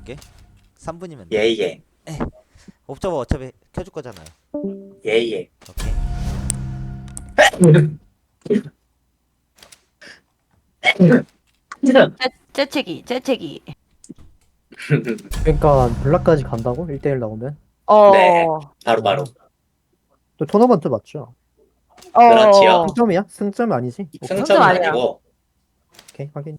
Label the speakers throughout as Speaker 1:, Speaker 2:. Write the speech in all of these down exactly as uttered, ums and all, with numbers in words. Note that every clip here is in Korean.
Speaker 1: 켜줄게. 삼 분이면 돼.
Speaker 2: 예예.
Speaker 1: 옵저버 어차피 켜줄 거잖아요.
Speaker 2: 예예.
Speaker 1: 오케이.
Speaker 3: 재, 재채기, 재채기.
Speaker 4: 그러니까 블락까지 간다고? 일 대일 나오면?
Speaker 3: 어.
Speaker 2: 네. 바로 바로.
Speaker 4: 또 토너먼트 맞죠?
Speaker 3: 어.
Speaker 2: 그렇지요.
Speaker 4: 승점이야? 승점 아니지? 오케이,
Speaker 3: 승-
Speaker 2: 승점은
Speaker 3: 아니야.
Speaker 2: 아니고
Speaker 4: 오케이 확인.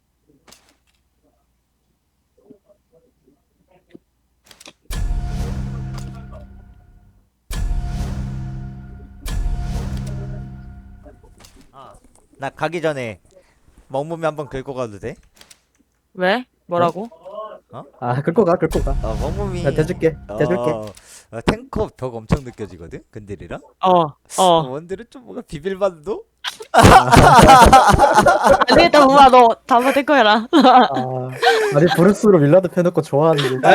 Speaker 1: 나 가기 전에 먹몸이 한번 긁고 가도 돼?
Speaker 3: 왜? 뭐라고?
Speaker 4: 아 긁고 가 긁고 가.
Speaker 1: 어 먹몸이.
Speaker 4: 나 대줄게 대줄게.
Speaker 1: 어, 어, 탱커 벽 엄청 느껴지거든. 근딜이랑.
Speaker 3: 어.
Speaker 1: 어,
Speaker 3: 어.
Speaker 1: 원딜은 좀 뭔가 비빌만도.
Speaker 3: 안 되겠다, 우와, 너 다음번 될 거야라.
Speaker 4: 아 아니 브루스로 밀라드 펴놓고 좋아하는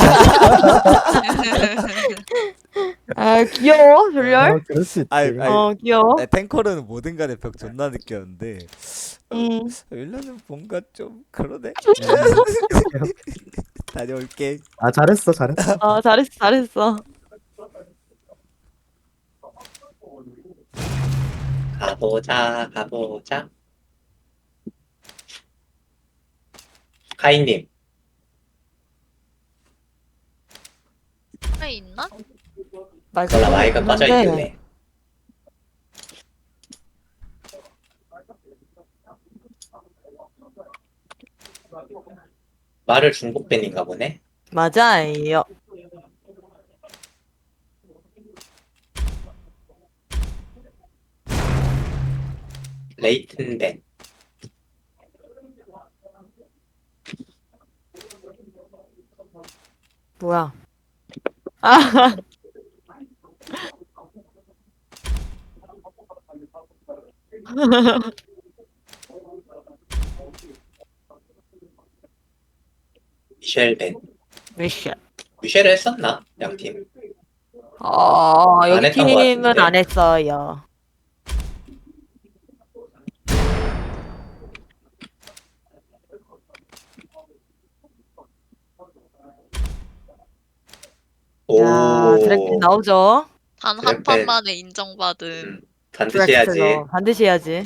Speaker 3: 아, 귀여워, 졸렬.
Speaker 4: 아, 그럴 수 있지.
Speaker 1: 아이, 아이.
Speaker 3: 어, 귀여워.
Speaker 1: 아, 탱커는 뭐든 간에 벽 존나 느꼈는데
Speaker 3: 음.
Speaker 1: 윌라는 뭔가 좀 그러네. 다녀올게.
Speaker 4: 아 잘했어 잘했어.
Speaker 3: 어, 잘했어, 잘했어.
Speaker 2: 가보자 가보자. 카이님
Speaker 5: 아 있나?
Speaker 3: 말도
Speaker 2: 몰라 마이크 꺼져
Speaker 3: 없는데.
Speaker 2: 있길래. 말을 중복된인가 보네.
Speaker 3: 맞아요.
Speaker 2: 레이튼벤.
Speaker 3: 뭐야. 아,
Speaker 2: 미셸벤.
Speaker 3: 미션.
Speaker 2: 미셸을 했었나? 양팀.
Speaker 3: 어,
Speaker 2: 안
Speaker 3: 여기
Speaker 2: 했던 것
Speaker 3: 팀은
Speaker 2: 같은데.
Speaker 3: 안 했어요.
Speaker 2: 오.
Speaker 3: 야, 드래곤 나오죠?
Speaker 5: 단 한
Speaker 2: 그래,
Speaker 5: 판
Speaker 2: 네.
Speaker 5: 만에 인정받은
Speaker 2: 음, 반드시 해야지.
Speaker 3: 드렉슬러. 반드시 해야지.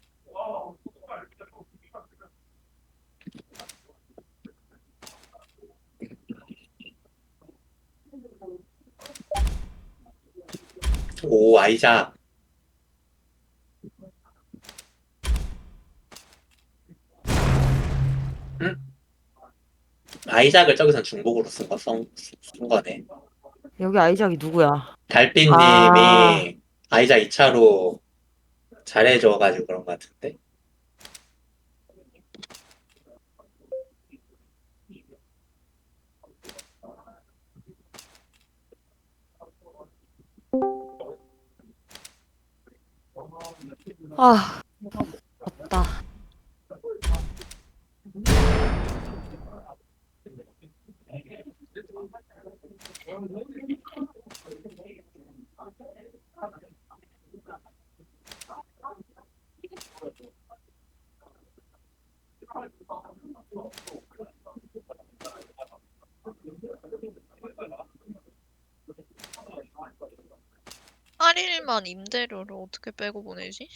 Speaker 2: 오 아이작. 응? 아이작을 저기선 중복으로 쓴 거, 쓴, 쓴 거네.
Speaker 3: 여기 아이작이 누구야?
Speaker 2: 달빛님이
Speaker 3: 아.
Speaker 2: 아이작 이 차로 잘해줘가지고 그런 거 같은데.
Speaker 3: 아, 없다.
Speaker 5: 팔 일만 임대료를 어떻게 빼고 보내지?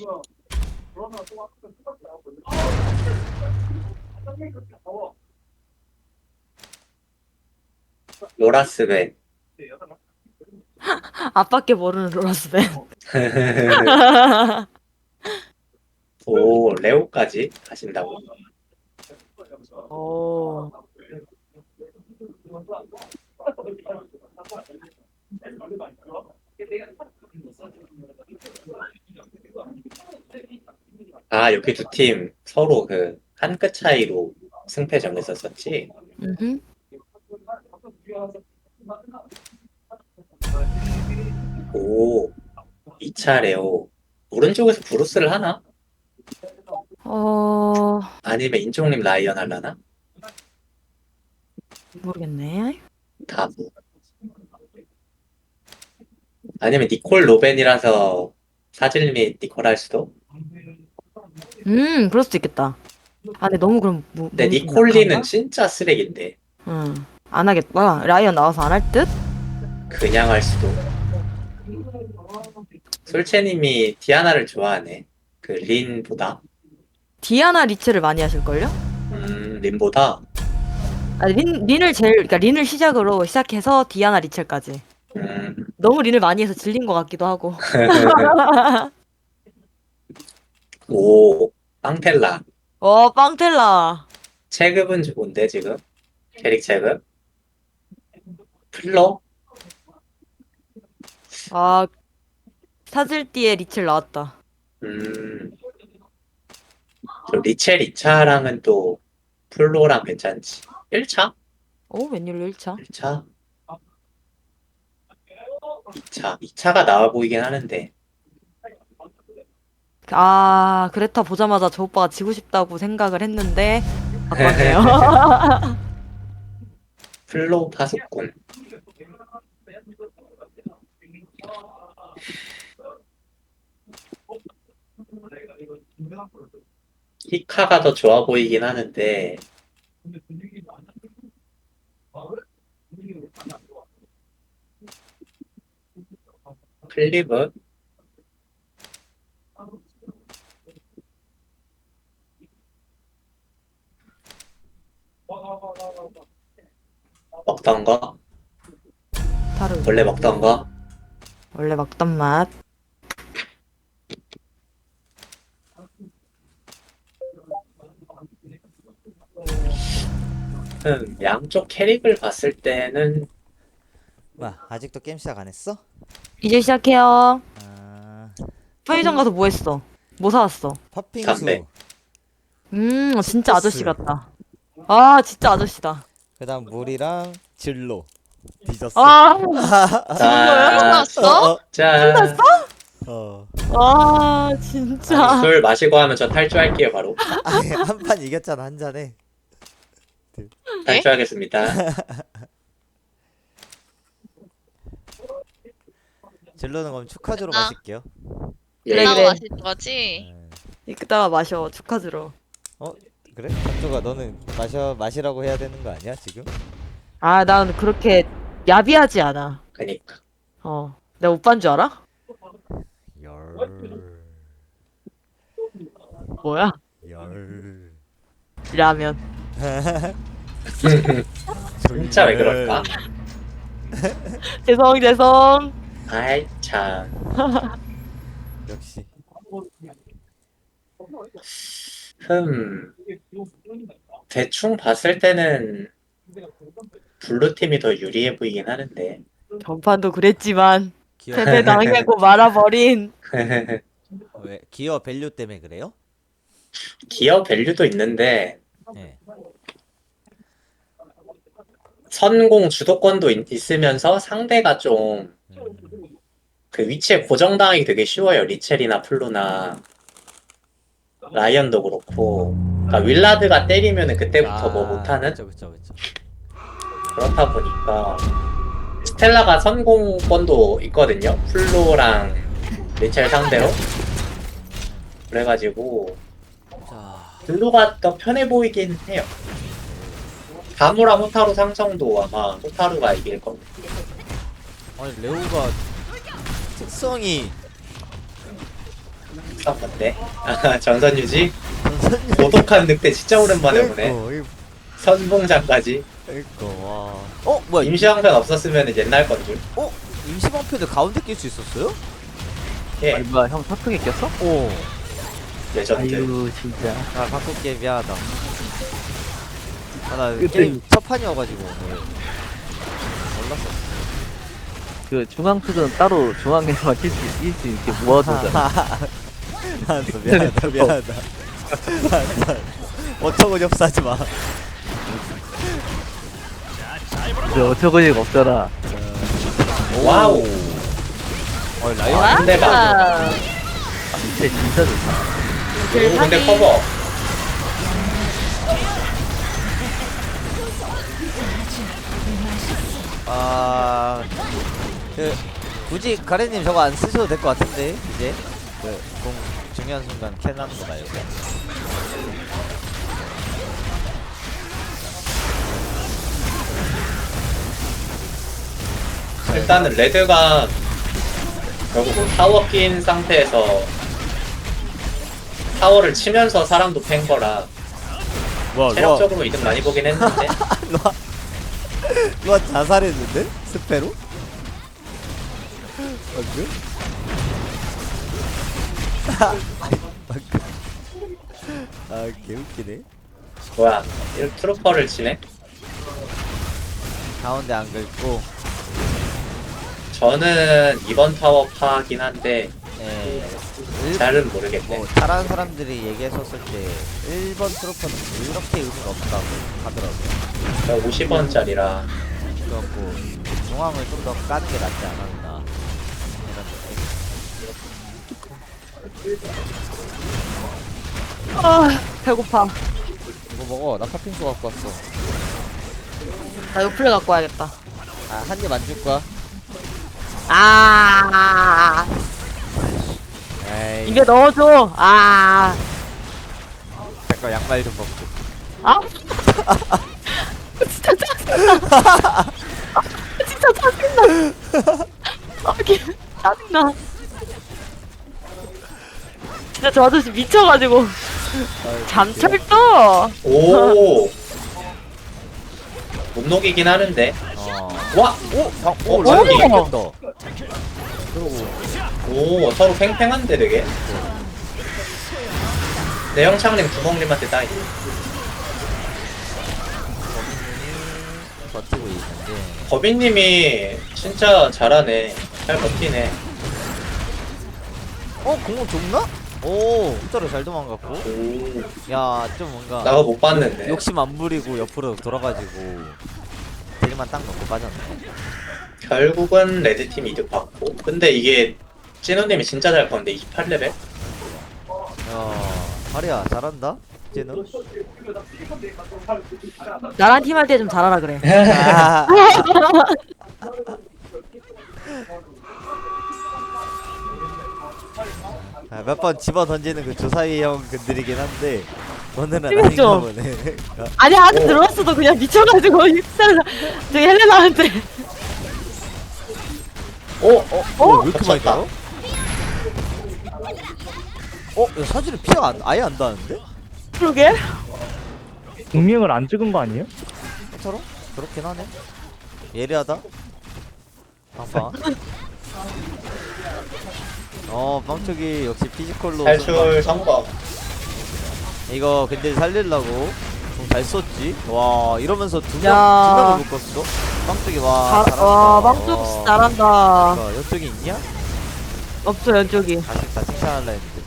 Speaker 2: 로라스벤.
Speaker 3: 앞밖에 모르는 로라스벤.
Speaker 2: 오 레오까지 가신다고.
Speaker 3: 오.
Speaker 2: 아 이렇게 두 팀 서로 그 한 끗 차이로 승패 정했었었지.
Speaker 3: 음흠.
Speaker 2: 오 이 차 레오. 오른쪽에서 브루스를 하나?
Speaker 3: 어,
Speaker 2: 아니면 인종님 라이언 할라나?
Speaker 3: 모르겠네.
Speaker 2: 다부. 아니면 니콜 로벤이라서 사질 및 니콜 할 수도?
Speaker 3: 음, 그럴 수도 있겠다. 아, 근데 너무 그럼 무,
Speaker 2: 근데
Speaker 3: 너무 좀
Speaker 2: 니콜리는
Speaker 3: 약한가?
Speaker 2: 진짜 쓰레기인데.
Speaker 3: 응. 안 하겠다. 라이언 나와서 안 할 듯?
Speaker 2: 그냥 할 수도. 솔채님이 디아나를 좋아하네. 그 린보다.
Speaker 3: 디아나 리체를 많이 하실걸요?
Speaker 2: 음, 린보다.
Speaker 3: 아, 린, 린을 제일, 그러니까 린을 시작으로 시작해서 디아나 리첼까지.
Speaker 2: 음,
Speaker 3: 너무 린을 많이 해서 질린 것 같기도 하고.
Speaker 2: 오, 빵텔라.
Speaker 3: 어, 빵텔라.
Speaker 2: 체급은 좋은데, 지금? 캐릭 체급? 플러?
Speaker 3: 아, 사질띠에 리첼 나왔다.
Speaker 2: 음, 저 리첼 이 차랑은 또 플로랑 괜찮지. 일 차?
Speaker 3: 오, 웬일로 일 차?
Speaker 2: 일 차? 이 차. 이 차가 나와 보이긴 하는데.
Speaker 3: 아, 그레타 보자마자 저 오빠가 지고 싶다고 생각을 했는데, 바꿨네요.
Speaker 2: 플로 파수꾼. 히카가 더 좋아 보이긴 하는데, 클리브? 먹던 거?
Speaker 3: 다른.
Speaker 2: 원래 먹던 거?
Speaker 3: 원래 먹던 맛.
Speaker 2: 음, 양쪽 캐릭을 봤을 때는
Speaker 1: 뭐야 아직도 게임 시작 안 했어?
Speaker 3: 이제 시작해요.
Speaker 1: 아
Speaker 3: 편의점 가서 뭐 했어? 뭐 사왔어?
Speaker 1: 팥빙수
Speaker 2: 담배.
Speaker 3: 음, 진짜
Speaker 1: 스포츠.
Speaker 3: 아저씨 같다. 아, 진짜 아저씨다.
Speaker 1: 그 다음 물이랑 진로 뒤졌어.
Speaker 3: 아,
Speaker 2: 자,
Speaker 5: 끝났어?
Speaker 2: 자,
Speaker 1: 어.
Speaker 3: 아, 진짜.
Speaker 2: 술 마시고 하면 저 탈주할게요 바로.
Speaker 1: 아니 한 판 이겼잖아 한 잔에.
Speaker 2: 탈주하겠습니다.
Speaker 1: 진로는 그럼 축하주로
Speaker 5: 아.
Speaker 1: 마실게요.
Speaker 2: 예.
Speaker 3: 그래,
Speaker 5: 나가
Speaker 3: 그래.
Speaker 5: 마시는 거지?
Speaker 1: 음.
Speaker 3: 이따가 마셔. 축하주로.
Speaker 1: 그래? 박조가 너는 마셔 마시라고 해야 되는 거 아니야 지금?
Speaker 3: 아, 난 그렇게 야비하지 않아.
Speaker 2: 그니까.
Speaker 3: 어. 내가 오빠인 줄 알아?
Speaker 1: 열.
Speaker 3: 뭐야?
Speaker 1: 열.
Speaker 3: 라면.
Speaker 2: 진짜 왜 그럴까?
Speaker 3: 죄송, 죄송.
Speaker 2: 아이 참.
Speaker 1: 역시.
Speaker 2: 흠. 대충 봤을 때는 블루 팀이 더 유리해 보이긴 하는데.
Speaker 3: 전판도 그랬지만
Speaker 1: 기어
Speaker 3: 패배 당하고 말아버린.
Speaker 1: 왜 기어 밸류 때문에 그래요?
Speaker 2: 기어 밸류도 있는데
Speaker 1: 네.
Speaker 2: 선공 주도권도 있, 있으면서 상대가 좀 그
Speaker 1: 음.
Speaker 2: 위치에 고정당하기 되게 쉬워요. 리첼이나 플루나 라이언도 그렇고. 그러니까 윌라드가 때리면은 그때부터 뭐 못하는.
Speaker 1: 그쵸 그쵸 그쵸.
Speaker 2: 그렇다 보니까 스텔라가 선공권도 있거든요. 플로랑 리첼 상대로. 그래가지고
Speaker 1: 자.
Speaker 2: 블루가 더 편해 보이긴 해요. 가무라 호타루 상성도 아마 호타루가 이길 겁니다.
Speaker 1: 아니 레오가 특성이
Speaker 2: 싼 건데. 아, 전선 유지. 고독한 늑대 진짜 오랜만에 보네.
Speaker 1: 그러니까,
Speaker 2: 선봉장까지.
Speaker 1: 그러니까 와. 어 뭐야
Speaker 2: 임시왕편 없었으면 옛날 건 줄.
Speaker 1: 어 임시방편을 가운데 낄 수 있었어요?
Speaker 2: 예,
Speaker 6: 아니 뭐야 형 사투리 꼈어?
Speaker 1: 오.
Speaker 2: 레전드.
Speaker 6: 아유 진짜
Speaker 1: 아 바꿀게 미안하다. 아나
Speaker 6: 그때-
Speaker 1: 게임 첫 판이어가지고 오늘 몰랐어.
Speaker 6: 그 중앙수는 따로 중앙에서만 낄수 낄수 있게 모아두잖아.
Speaker 1: 알았어 미안하다 미안하다. 어처구니 없어 하지 마.
Speaker 6: 근데 어처구니가 없잖아.
Speaker 2: 와우.
Speaker 1: 어 라이언
Speaker 2: 아, 근데 막
Speaker 3: 아,
Speaker 6: 진짜 진짜 좋다.
Speaker 2: 오, 근데 커버.
Speaker 1: 아, 그 굳이 가래님 저거 안 쓰셔도 될 것 같은데 이제 그공 중요한 순간 캔하는 거 말고.
Speaker 2: 일단은 레드가 결국 뭐 타워 낀 상태에서 타워를 치면서 사람도 팬 거라
Speaker 1: 뭐야 로아
Speaker 2: 체력적으로 이득 많이 보긴 했는데
Speaker 1: 로아 로아 자살했는데? 스페로? 방금? 방금 아 개웃기네.
Speaker 2: 뭐야 이렇게 트루퍼를 치네?
Speaker 1: 가운데 안 긁고
Speaker 2: 저는 이번 타워 파긴 한데
Speaker 1: 예. 일,
Speaker 2: 잘은 모르겠네.
Speaker 1: 뭐 잘하는 사람들이 얘기했었을 때 일 번 트로퍼는 그렇게 의미가 없다고 하더라고요.
Speaker 2: 오십 원짜리라
Speaker 1: 그래갖고 중앙을 좀 더 까는 게 낫지 않았나 이런 느낌.
Speaker 3: 아 배고파.
Speaker 1: 이거 먹어. 나 팥빙수 갖고 왔어.
Speaker 3: 나 요플레 갖고 와야겠다.
Speaker 1: 아, 한 입 안 줄 거야?
Speaker 3: 아
Speaker 1: 에이,
Speaker 3: 이게 넣어줘. 아
Speaker 1: 잠깐 양말 좀 벗고.
Speaker 3: 아? 진짜 짜증나. 아, 진짜 짜증나. 아, 개- 짜증나. 진짜 저 아저씨 미쳐가지고 잠철도.
Speaker 2: 오! 못 녹이긴 하는데
Speaker 1: 어.
Speaker 2: 와!
Speaker 1: 오! 방, 오!
Speaker 2: 오,
Speaker 1: 라이브
Speaker 2: 저기.
Speaker 1: 바뀌었다. 그러고
Speaker 2: 오 서로 팽팽한데 되게 내영창님 구멍님한테 따이
Speaker 1: 버티고 있는데
Speaker 2: 거빈님이 진짜 잘하네 잘 버티네
Speaker 1: 어? 공을 줬나? 오! 진짜로 잘 도망갔고
Speaker 2: 오
Speaker 1: 야 좀 뭔가
Speaker 2: 나가 못 봤는데
Speaker 1: 욕심 안 부리고 옆으로 돌아가지고 딜만 딱 넣고 빠졌네.
Speaker 2: 결국은 레드팀 이득 받고 근데 이게 찐우님이 진짜 잘 컸는데 이십팔 레벨?
Speaker 1: 야 하리야 잘한다? 쟤는?
Speaker 3: 나랑 팀 할 때 좀 잘하라 그래.
Speaker 1: 아, 아, 몇 번 집어 던지는 그 조사위 형 근들이긴 한데 오늘은 아닌가
Speaker 3: 심했죠?
Speaker 1: 보네.
Speaker 3: 아니 아직
Speaker 2: 오.
Speaker 3: 들어왔어도 그냥 미쳐가지고 헬레나 저기 헬레나한테.
Speaker 2: 오!
Speaker 1: 어? 어? 왜 이렇게 많이
Speaker 2: 겹쳤다.
Speaker 1: 달아? 어? 야, 사진을 피가 안, 아예 안 닿는데?
Speaker 3: 그러게.
Speaker 4: 공명을 안 찍은 거 아니에요?
Speaker 1: 저런? 그렇긴 하네. 예리하다. 빵빵. 어, 빵쪽이 역시 피지컬로.
Speaker 2: 탈출 성공
Speaker 1: 이거 근데 살리려고 좀 잘 썼지. 와, 이러면서 두 명, 두
Speaker 3: 야.
Speaker 1: 명을 묶었어. 빵쪽이 와.
Speaker 3: 잘,
Speaker 1: 잘한다.
Speaker 3: 와 망쪽
Speaker 1: 어.
Speaker 3: 잘한다.
Speaker 1: 어, 이쪽이 있냐?
Speaker 3: 없어 연쪽이.
Speaker 1: 다시 다 칭찬할라 했는데.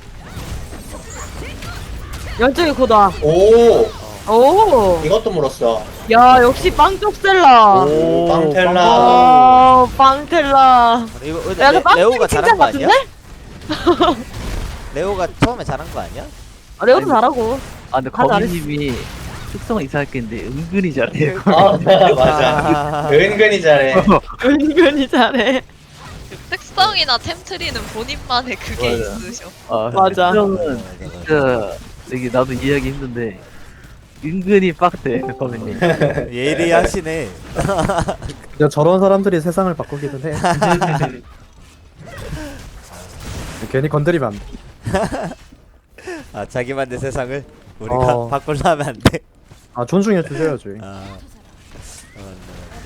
Speaker 3: 연쪽이 고다.
Speaker 2: 오!
Speaker 3: 오.
Speaker 2: 이것도 물었어
Speaker 3: 야 역시 빵쪽 셀라.
Speaker 2: 오
Speaker 1: 빵.
Speaker 2: 빵텔라
Speaker 3: 어 빵텔라.
Speaker 1: 이거 근데
Speaker 3: 야,
Speaker 1: 레,
Speaker 3: 그 빵
Speaker 1: 레오가
Speaker 3: 칭찬
Speaker 1: 잘한 거 아니야?
Speaker 3: 같은데?
Speaker 1: 레오가 처음에 잘한 거 아니야?
Speaker 3: 아, 레오도
Speaker 6: 아니,
Speaker 3: 잘하고.
Speaker 6: 아 근데
Speaker 3: 다 잘했어.
Speaker 6: 거미님이 특성은 이상하게 했는데 은근히 잘해요.
Speaker 2: 아 맞아 은근히 잘해
Speaker 3: 은근히 잘해.
Speaker 5: 특성이나 템트리는 본인만의 그게
Speaker 6: 맞아.
Speaker 5: 있으셔.
Speaker 6: 아,
Speaker 3: 맞아.
Speaker 6: 특성은 진짜 되게 나도 이해하기 힘든데 은근히 빡대 거미님.
Speaker 1: 예리하시네.
Speaker 4: 진짜 저런 사람들이 세상을 바꾸기는 해. 괜히 건드리면 안 돼.
Speaker 1: 아 자기만의 세상을 우리가
Speaker 4: 어.
Speaker 1: 바꾸려면 안 돼.
Speaker 4: 아 존중해 주셔야지.
Speaker 1: 아, 아 맞네, 맞네.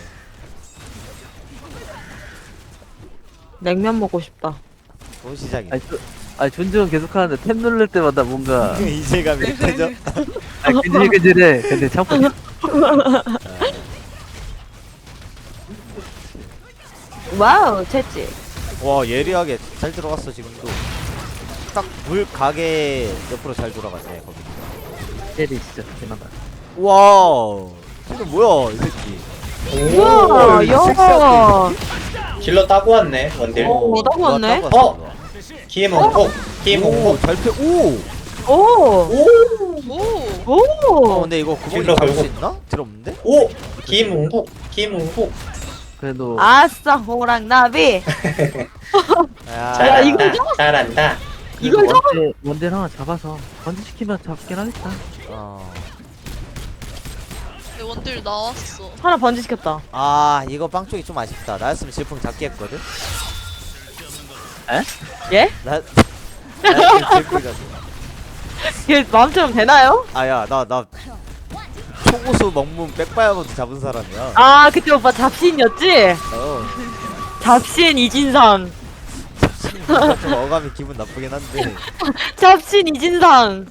Speaker 3: 냉면 먹고 싶다.
Speaker 1: 좋은 시작이네.
Speaker 6: 아니, 저, 아니 존중은 계속하는데 탭 누를 때마다 뭔가
Speaker 1: 이제감이 느껴져.
Speaker 6: 아 근질근질해. 근데 참고
Speaker 3: 와우 채찌.
Speaker 1: 와 예리하게 잘 들어갔어 지금도. 딱 물 가게 옆으로 잘 돌아갔네 거기.
Speaker 6: 때리 진짜 대단하다.
Speaker 1: 와, 지금 뭐야 이 새끼.
Speaker 3: 우와
Speaker 1: 오,
Speaker 3: 야.
Speaker 2: 딜러 따고 왔네 원딜
Speaker 3: 오, 따고 왔네?
Speaker 1: 누가 따고 왔어,
Speaker 2: 어? 기회몽폭 기회몽폭
Speaker 1: 오, 잘 패. 오.
Speaker 3: 오.
Speaker 2: 오!
Speaker 5: 오!
Speaker 1: 어,
Speaker 3: 오.
Speaker 1: 근데 이거 구멍이
Speaker 2: 딜러
Speaker 1: 잡을 수
Speaker 2: 결국-
Speaker 1: 있나? 들 없는데?
Speaker 2: 오! 기회몽폭 기회몽폭
Speaker 6: 그래도
Speaker 3: 아싸 호랑나비.
Speaker 1: 야,
Speaker 3: 야, 이거
Speaker 2: 잘한다 잘한다
Speaker 3: 이걸
Speaker 6: 그래도 원대 원대 하나 잡아서 번지시키면 잡긴 하겠다.
Speaker 1: 어.
Speaker 5: 근데 원딜 나왔어.
Speaker 3: 하나 번지시켰다.
Speaker 1: 아 이거 빵 쪽이 좀 아쉽다. 나였으면 질풍 잡기 했거든.
Speaker 3: 예?
Speaker 1: 나 나였으면 질풍 잡기.
Speaker 3: 이게 마음처럼 되나요?
Speaker 1: 아야 나 나 초고수 먹문 백바야로도 잡은 사람이야.
Speaker 3: 아 그때 오빠 잡신이었지?
Speaker 1: 어.
Speaker 3: 잡신 이진상.
Speaker 1: 좀 어감이 기분 나쁘긴 한데
Speaker 3: 잡신 이진상.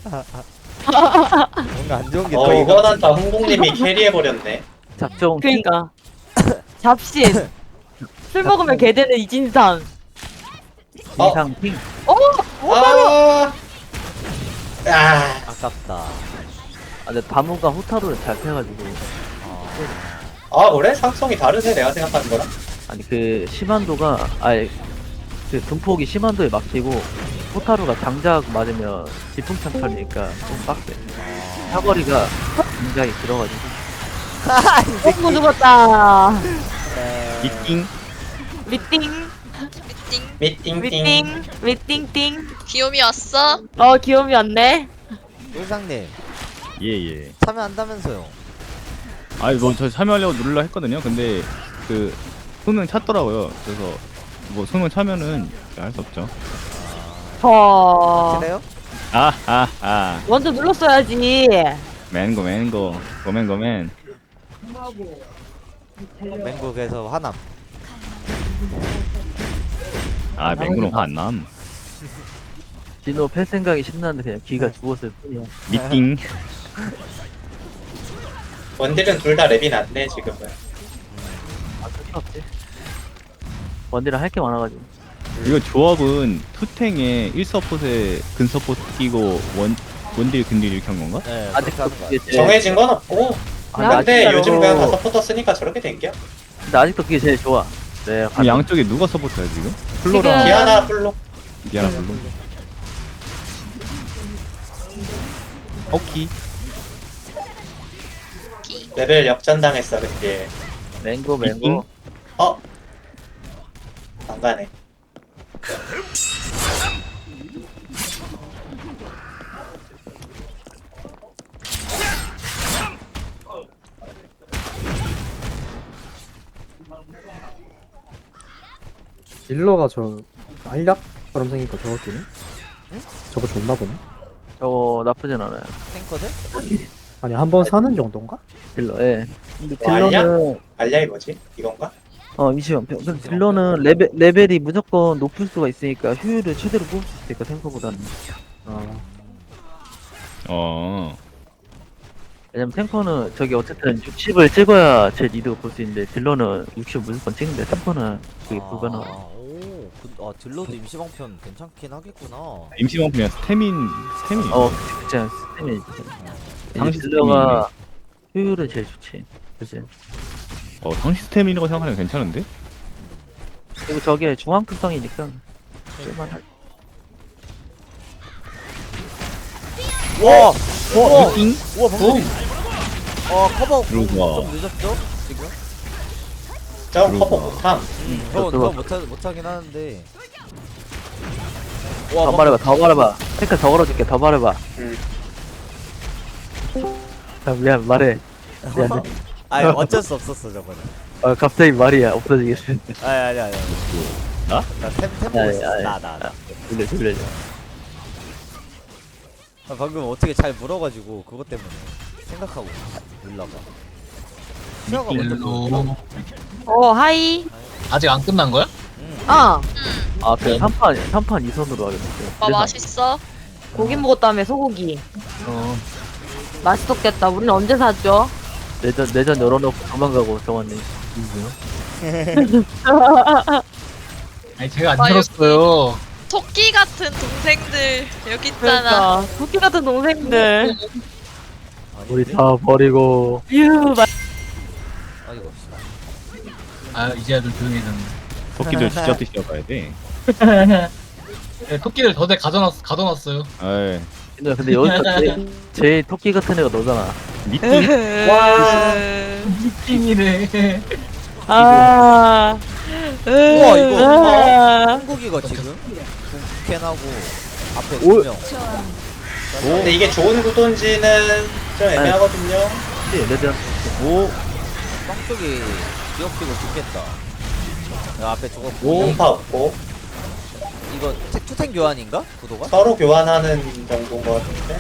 Speaker 1: 뭔가 안 좋은 게
Speaker 2: 어
Speaker 1: 또
Speaker 2: 이거는 다 홍콩님이 캐리해버렸네.
Speaker 6: 작정
Speaker 3: 그니까 잡신. 술 먹으면 개 되는 이진상.
Speaker 2: 어.
Speaker 6: 이상 핑.
Speaker 2: 아, 아,
Speaker 1: 아깝다.
Speaker 6: 아 근데 다무가 호타루를 잘 패가지고
Speaker 2: 아 그래? 상성이 다르네 내가 생각하는 거랑.
Speaker 6: 아니 그 심한도가 아예 그 분폭이 심한도에 막히고 호타루가 장작 맞으면 지풍창 털리니까 좀 빡세. 사거리가 굉장히 길어가지고
Speaker 3: 뽕고 죽었다.
Speaker 6: 미팅
Speaker 5: 미팅.
Speaker 2: 미팅팅.
Speaker 3: 미팅 미팅 미팅팅.
Speaker 5: 귀요미 왔어?
Speaker 3: 어 귀요미 왔네.
Speaker 1: 일상님
Speaker 7: 예예.
Speaker 1: 참여한다면서요.
Speaker 7: 아니 뭐저 참여하려고 누르려 했거든요. 근데 그 소명 찾더라고요. 그래서 뭐 소명 차면은 할 수 없죠.
Speaker 3: 저
Speaker 1: 그래요?
Speaker 7: 아아 아.
Speaker 3: 먼저 눌렀어야지.
Speaker 7: 맨고 맨고 고맨 고맨.
Speaker 1: 맹국에서 화남.
Speaker 7: 아 맹구는 화 안 남.
Speaker 6: 진호 팰 생각이 신나는데 그냥 기가 죽었을 뿐이야.
Speaker 7: 미팅.
Speaker 2: 원딜은 둘 다 랩이 낫네 지금은.
Speaker 6: 아 상관없지. 원딜은 할 게 많아가지고.
Speaker 7: 이거 조합은 투탱에 일 서폿에 근 서폿 끼고 원 원딜 근딜 이렇게 한 건가?
Speaker 1: 네.
Speaker 6: 아직
Speaker 1: 그렇게 하는 거
Speaker 6: 그게
Speaker 1: 같아요.
Speaker 6: 제일-
Speaker 2: 정해진 건 없고.
Speaker 6: 아,
Speaker 2: 근데
Speaker 6: 아직도-
Speaker 2: 요즘 그냥 다 서포터 쓰니까 저렇게 된 게야.
Speaker 6: 근데 아직도 그게 제일 좋아. 네.
Speaker 7: 그럼 양쪽에 누가 서포트야 지금? 플로랑
Speaker 3: 지금-
Speaker 2: 디아나 플로.
Speaker 7: 디아나 블루. 오키.
Speaker 2: 레벨 역전당했어 근데.
Speaker 6: 맹고
Speaker 7: 미팅?
Speaker 6: 맹고.
Speaker 2: 어? 안 가네.
Speaker 4: 딜러가 저 알약처럼 생기니까 저거 끼네? 저거 좋나 보네?
Speaker 6: 저거 나쁘진 않아요.
Speaker 1: 탱커들?
Speaker 4: 아니 한 번 사는 정도인가?
Speaker 6: 딜러. 예. 근데
Speaker 2: 뭐 알냐?
Speaker 6: 딜러는
Speaker 2: 알량이 뭐지? 이건가?
Speaker 6: 어 임시형. 근데 딜러는 레벨 레벨이 무조건 높을 수가 있으니까 효율을 최대로 뽑을 수 있으니까 탱커보다는.
Speaker 4: 아
Speaker 7: 어.
Speaker 6: 왜냐면 탱커는 저기 어쨌든 육십을 찍어야 제 리드 볼 수 있는데 딜러는 육십 무조건 찍는데 탱커는 그게
Speaker 1: 아,
Speaker 6: 불가능해.
Speaker 1: 오, 그, 아 딜러도 임시방편 괜찮긴 하겠구나.
Speaker 7: 임시방편이야 스태민 스태민.
Speaker 6: 어, 그치, 스템이
Speaker 7: 상시
Speaker 6: 딜러가 효율은 제일 좋지. 그치.
Speaker 7: 어 상시 스태민이라고 생각하면 괜찮은데?
Speaker 6: 그리고 저게 중앙급성이니까 쓸만할.
Speaker 1: 와,
Speaker 7: 어 미팅?
Speaker 1: 우와 방금. 어 커버 좀
Speaker 7: 들어와.
Speaker 1: 늦었죠? 지금?
Speaker 2: 저
Speaker 7: 그리고-
Speaker 2: 커버 못함.
Speaker 1: 음, 저, 저 못하, 못하긴 하는데.
Speaker 6: 더
Speaker 1: 와,
Speaker 6: 말해봐, 더 말해봐. 탱크 더 걸어줄게, 더 말해봐.
Speaker 2: 음.
Speaker 6: 아, 미안, 말해. 미안해.
Speaker 1: 아니 어쩔 수 없었어 저거는.
Speaker 6: 아, 갑자기 말이야, 없어지겠어.
Speaker 1: 아니 아니 아니.
Speaker 7: 나?
Speaker 1: 나템템 보고
Speaker 6: 아니,
Speaker 1: 있어.
Speaker 6: 아니.
Speaker 1: 나나 나.
Speaker 6: 돌려, 돌려.
Speaker 1: 아, 방금 어떻게 잘 물어가지고 그것 때문에 생각하고 놀라봐. 수아가 먼저 물어.
Speaker 3: 어 하이.
Speaker 8: 아직 안 끝난 거야?
Speaker 1: 응.
Speaker 3: 어
Speaker 6: 아, 그냥 삼 판, 삼 판 이 선으로 하겠어.
Speaker 5: 오빠 맛있어?
Speaker 3: 고기 먹었다며 소고기.
Speaker 6: 어,
Speaker 3: 맛있었겠다. 우리는 언제 샀죠?
Speaker 6: 내전, 내전 열어놓고 도망가고, 정환님.
Speaker 8: 아니 제가 안
Speaker 5: 아,
Speaker 8: 들었어요.
Speaker 5: 토끼 같은 동생들 여기 있잖아.
Speaker 3: 그러니까 토끼 같은 동생들.
Speaker 6: 우리
Speaker 1: 아닌데?
Speaker 6: 다 버리고.
Speaker 3: 휴 마-
Speaker 1: 아이고.
Speaker 8: 아 이제야 좀 조용해졌네.
Speaker 7: 토끼들 진짜 뜻이어 봐야 돼.
Speaker 8: 네, 토끼를 더대 가져놨 가둬놨어요.
Speaker 7: 에이.
Speaker 6: 근데, 근데 여기서 제일, 제일 토끼 같은 애가 너잖아.
Speaker 7: 미팅?
Speaker 5: 와.
Speaker 8: 미팅이네.
Speaker 3: 아.
Speaker 1: 우와, 이거.
Speaker 3: 아.
Speaker 1: 한국이가 지금 캔하고 앞에
Speaker 6: 오.
Speaker 1: 두 명.
Speaker 2: 근데 이게 좋은 구도인지는 좀 애매하거든요.
Speaker 6: 레드한테
Speaker 1: 오 뻥쪽이 기억지고 죽겠다. 야, 앞에 죽었고.
Speaker 2: 용파 없고
Speaker 1: 이거 태- 투탱 교환인가? 구도가?
Speaker 2: 서로 교환하는 정도인 것 같은데.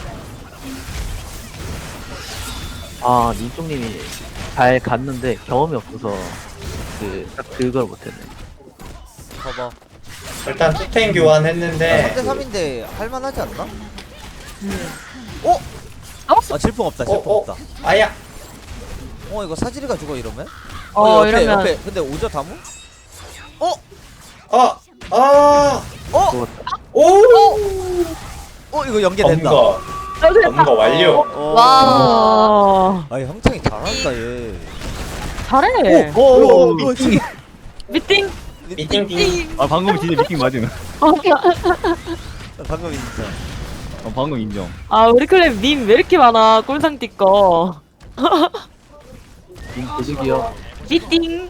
Speaker 6: 아 민종님이 잘 갔는데 경험이 없어서 그 딱 그걸 못했네.
Speaker 1: 봐봐.
Speaker 2: 일단 투탱 교환했는데
Speaker 1: 삼 대 삼인데 할만하지 않나?
Speaker 3: 음.
Speaker 1: 어?
Speaker 3: 어?
Speaker 1: 아 질풍 없다 질풍
Speaker 2: 어, 어.
Speaker 1: 없다.
Speaker 2: 아야.
Speaker 1: 어 이거 사지리가 죽어 이러면?
Speaker 3: 어,
Speaker 1: 옆에,
Speaker 3: 이러면
Speaker 1: 옆에 근데 오저 다무? 어?
Speaker 2: 어. 아.
Speaker 1: 어?
Speaker 2: 오.
Speaker 1: 어 이거 연계된다.
Speaker 2: 검거. 검거 완료.
Speaker 1: 어.
Speaker 3: 와
Speaker 1: 아니 형창이 잘한다 얘.
Speaker 3: 잘해.
Speaker 1: 오, 오, 오, 오, 저기.
Speaker 3: 미팅.
Speaker 2: 미팅 띵.
Speaker 7: 아 방금 진짜 미팅 맞음.
Speaker 1: 방금 진짜.
Speaker 7: 어, 방금 인정.
Speaker 3: 아 우리 클랩 밈 왜 이렇게 많아? 꼴상띠 거.
Speaker 6: 님 도둑이요.
Speaker 3: 미팅.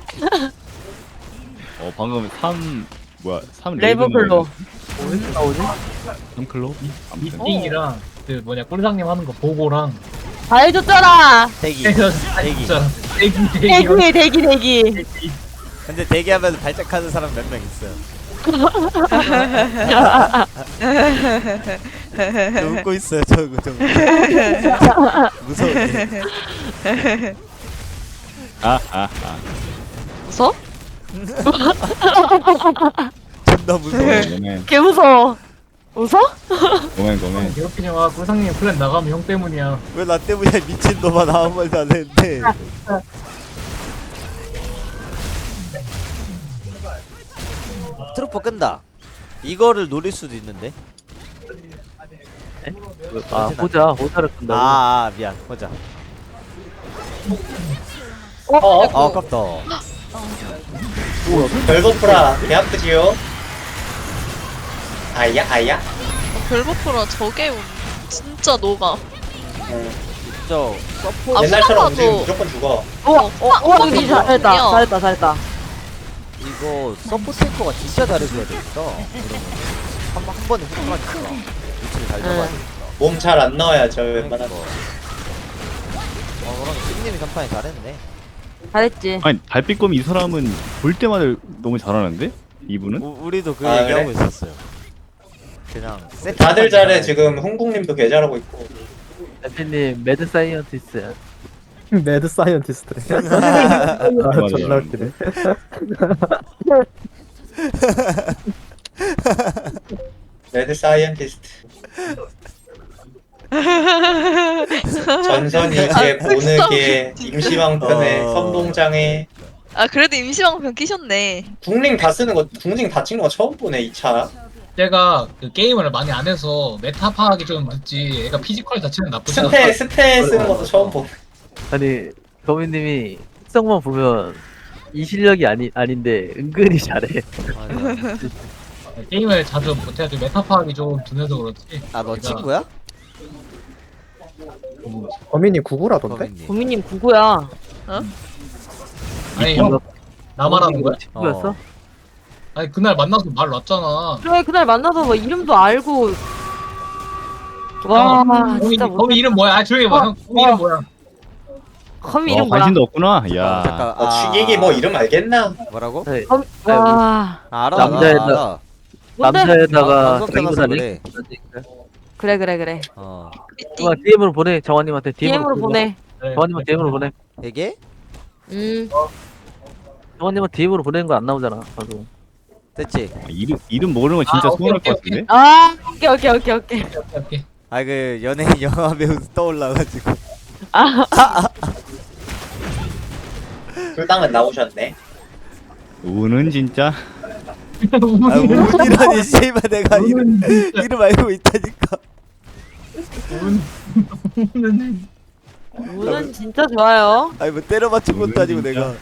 Speaker 7: 어 방금 삼 뭐야 삼
Speaker 3: 레이븐클로.
Speaker 6: 어디서 나오지?
Speaker 7: 삼 클로? 아무튼
Speaker 8: 미팅이랑 그 뭐냐 꿀상님 하는 거 보고랑
Speaker 3: 다 해줬잖아.
Speaker 1: 대기.
Speaker 8: 해서
Speaker 1: 대기.
Speaker 8: 진짜 대기 대기
Speaker 3: 대기 대기 대기.
Speaker 1: 근데 대기하면 발작하는 사람 몇 명 있어요. 저 웃고 있어요. 저거 저거. 무서운데.
Speaker 7: 아아아
Speaker 3: 웃어?
Speaker 1: 존나 무서워.
Speaker 7: 고멘
Speaker 3: 개 무서워. 웃어?
Speaker 7: 고멘 고멘.
Speaker 8: 괴롭히지 마. 꿀상님 플랜 나가면 형 때문이야.
Speaker 1: 왜 나 때문에 미친 놈아 나 아무 말도 안 했는데. 트루퍼 끈다. 이거를 노릴 수도 있는데.
Speaker 6: 아 호자 호자를 끈다고.
Speaker 1: 아, 아 미안. 보자.
Speaker 2: 어. 어.
Speaker 1: 아 아깝다.
Speaker 2: 별거프라 개 아프지요. 아야 아야.
Speaker 5: 별버프라 저게 운- 진짜 녹아.
Speaker 2: 응.
Speaker 1: 저 서포
Speaker 5: 아,
Speaker 2: 옛날처럼
Speaker 5: 후라마도-
Speaker 2: 움직이면 무조건 죽어.
Speaker 3: 어, 어, 어, 여기 잘했다. 잘했다, 잘했다.
Speaker 1: 이거 서포 탱커가 진짜 잘해줘야 되겠다. 그러면 한, 번- 한 번에 후루하니까 위치를 잘 잡아야 되겠다.
Speaker 2: 몸 잘 안 넣어야죠
Speaker 1: 그러니까.
Speaker 2: 웬만하면.
Speaker 1: 어 그럼 씹님이 간판에 잘했네.
Speaker 3: 잘했지.
Speaker 7: 아니 달빛검 이 사람은 볼 때마다 너무 잘하는데 이분은?
Speaker 1: 우, 우리도 그
Speaker 2: 아,
Speaker 1: 얘기하고
Speaker 2: 그래?
Speaker 1: 있었어요. 그냥 세트
Speaker 2: 다들 잘해 지금 홍국님도 개 잘하고 있고.
Speaker 6: 대표님 매드 사이언티스트.
Speaker 4: 매드 사이언티스트래. 아,
Speaker 7: 맞아,
Speaker 4: 존나
Speaker 7: 맞아.
Speaker 4: 웃기네.
Speaker 2: 레드 사이언티스트. 전선일제
Speaker 5: 아,
Speaker 2: 보느게 임시방편에
Speaker 1: 어.
Speaker 2: 선동장에
Speaker 5: 아 그래도 임시방편 끼셨네.
Speaker 2: 궁링 다 쓰는 거 궁링 다 찍는 거 처음 보네 이 차.
Speaker 8: 제가 그 게임을 많이 안 해서 메타 파악이 좀 늦지. 애가 피지컬 자체는 나쁘지 않아.
Speaker 2: 스페 스페 쓰는 것도 처음 보네.
Speaker 6: 아니 거미님이 특성만 보면 이 실력이 아니 아닌데 은근히 잘해.
Speaker 1: 맞아.
Speaker 8: 게임을 자주 못해가지고 메타 파악이 좀 둔해서 그렇지.
Speaker 1: 아너
Speaker 8: 내가
Speaker 1: 친구야?
Speaker 4: 범인이 구구라던데?
Speaker 1: 거민님.
Speaker 3: 고민님 구구야.
Speaker 8: 아니 형, 나 말하는 거야?
Speaker 6: 친구였어?
Speaker 1: 어.
Speaker 8: 아니 그날 만나서 말 놨잖아.
Speaker 3: 그래, 그날 만나서 뭐 이름도 알고. 와,
Speaker 8: 거미,
Speaker 3: 진짜
Speaker 8: 거미
Speaker 3: 못.
Speaker 8: 이름 뭐야? 아 조용히 봐.
Speaker 3: 어,
Speaker 8: 형, 거미 이름 뭐야?
Speaker 3: 거미
Speaker 7: 어
Speaker 3: 이름 뭐야?
Speaker 7: 관심도 없구나.
Speaker 1: 어,
Speaker 7: 야.
Speaker 1: 잠깐.
Speaker 2: 어, 취객이 뭐 이름 알겠나?
Speaker 1: 뭐라고?
Speaker 6: 네.
Speaker 3: 거미, 와.
Speaker 1: 아, 알아.
Speaker 6: 남자애다.
Speaker 1: 알아, 알아.
Speaker 3: 뭔데?
Speaker 6: 남자에다가
Speaker 1: 방송 켜놔서
Speaker 6: 자기보다
Speaker 1: 그래.
Speaker 3: 그래, 그래, 그래.
Speaker 1: 어.
Speaker 6: 누가 디엠으로 보내 정환님한테 디엠으로,
Speaker 3: 디엠으로 보내.
Speaker 8: 네.
Speaker 6: 정환님한테 디엠으로 보내.
Speaker 1: 되게
Speaker 3: 음.
Speaker 6: 정환님은 디엠으로 보내는 거 안 나오잖아. 방금.
Speaker 1: 됐지.
Speaker 7: 아, 이름 이름 모르는 건 진짜
Speaker 8: 아, 오케이,
Speaker 7: 서운할
Speaker 8: 오케이,
Speaker 7: 것 같은데.
Speaker 3: 아, 오케이, 오케이, 오케이, 오케이.
Speaker 8: 오케이, 오케이.
Speaker 1: 아 그 연예인 영화 배우 떠올라가지고.
Speaker 2: 불당은 나오셨네.
Speaker 7: 우는 진짜
Speaker 1: 아 운이라니 씨발 내가 이름 이름 알고 있다니까.
Speaker 8: 운.
Speaker 3: 우는 진짜 좋아요.
Speaker 1: 아니 뭐 때려 맞춘 것도 아니고
Speaker 7: 진짜.
Speaker 1: 내가.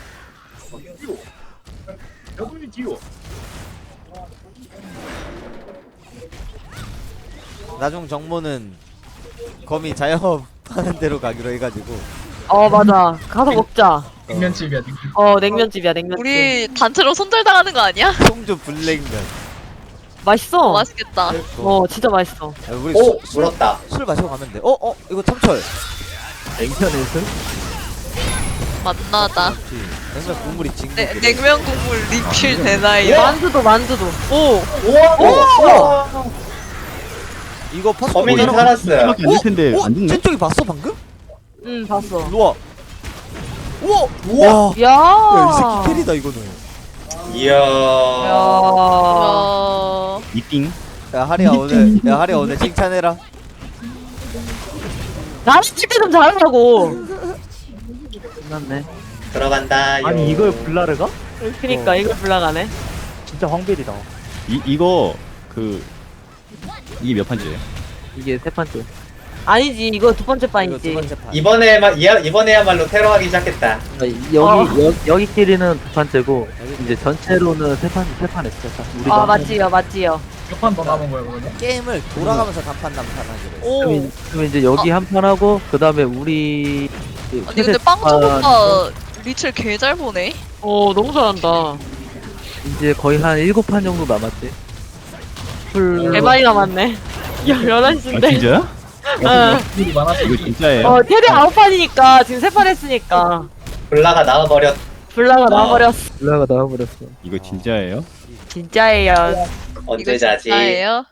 Speaker 1: 나중 정모는 거미 자영업 하는 대로 가기로 해가지고.
Speaker 3: 어, 맞아. 가서 먹자.
Speaker 8: 냉면집이야. 냉면.
Speaker 3: 어, 냉면집이야, 냉면집.
Speaker 5: 우리 단체로 손절당하는 거 아니야?
Speaker 1: 송주 불냉면.
Speaker 3: 맛있어.
Speaker 5: 맛있겠다.
Speaker 3: 어, 진짜 맛있어.
Speaker 1: 아, 우리
Speaker 2: 오
Speaker 1: 술, 술,
Speaker 2: 물었다.
Speaker 1: 술 마시고 가면 돼. 어, 어, 이거 참철.
Speaker 6: 냉면에서
Speaker 5: 만나다.
Speaker 1: 냉면 국물이 진국.
Speaker 5: 네, 냉면 국물 리필 되나요?
Speaker 3: 만두도 만두도. 오.
Speaker 2: 우와 우와
Speaker 1: 이거 퍼스
Speaker 2: 범인이
Speaker 1: 뭐야?
Speaker 2: 살았어요.
Speaker 7: 밖에 안될 텐데
Speaker 1: 어?
Speaker 7: 안 죽네?
Speaker 1: 쟤쪽이 봤어 방금?
Speaker 3: 응 봤어.
Speaker 1: 일로와. 우와.
Speaker 2: 우와
Speaker 1: 와.
Speaker 3: 야.
Speaker 1: 야, 이 새끼 캐리다 이거는.
Speaker 2: 이야
Speaker 3: 야.
Speaker 5: 어...
Speaker 7: 이띵.
Speaker 1: 야 하리야 오늘 야 하리야 오늘 칭찬해라.
Speaker 3: 나는 집에 좀 잘하라고.
Speaker 6: 끝났네.
Speaker 2: 들어간다.
Speaker 4: 아니 이걸 블라르가?
Speaker 3: 그니까 이걸 불나가네.
Speaker 4: 진짜 황벨이다.
Speaker 7: 이 이거 그 이게 몇 판째예요?
Speaker 6: 이게 세 번째.
Speaker 3: 아니지 이거 두 번째
Speaker 1: 이거 두
Speaker 3: 판이지.
Speaker 1: 번째 판.
Speaker 2: 이번에만 이야- 이번에야말로 테러하기 시작했다.
Speaker 6: 아, 여기 여, 여기끼리는 두 판째고 이제 전체로는 세 판 세 판 했어. 우리가
Speaker 3: 아 맞지요 맞지요.
Speaker 8: 몇 판 더 남은 거야 그러면?
Speaker 1: 게임을 돌아가면서 단판 단판 하기로 했어.
Speaker 3: 오.
Speaker 6: 그럼, 그럼 이제 여기 한 판 하고 그 다음에 우리 그
Speaker 5: 아니 근데
Speaker 6: 최대
Speaker 5: 빵점
Speaker 6: 판
Speaker 5: 오빠 리첼 개 잘 보네.
Speaker 3: 오 너무 잘한다.
Speaker 6: 이제 거의 한 일곱 판 정도 남았지. 풀
Speaker 3: 개 많이 남았네. 야 열한
Speaker 7: 아
Speaker 3: 시인데.
Speaker 7: 진짜야?
Speaker 3: 어.
Speaker 8: 일이 많아서
Speaker 7: 이거 진짜예요?
Speaker 3: 어 테레 아홉 판이니까 지금 세 판 했으니까
Speaker 2: 블라가 나와버렸.
Speaker 3: 불나가 나와버렸어.
Speaker 6: 올라가 나와버렸어.
Speaker 7: 이거 진짜예요?
Speaker 3: 진짜예요.
Speaker 2: 언제
Speaker 5: 이거
Speaker 2: 자지?
Speaker 5: 진짜예요?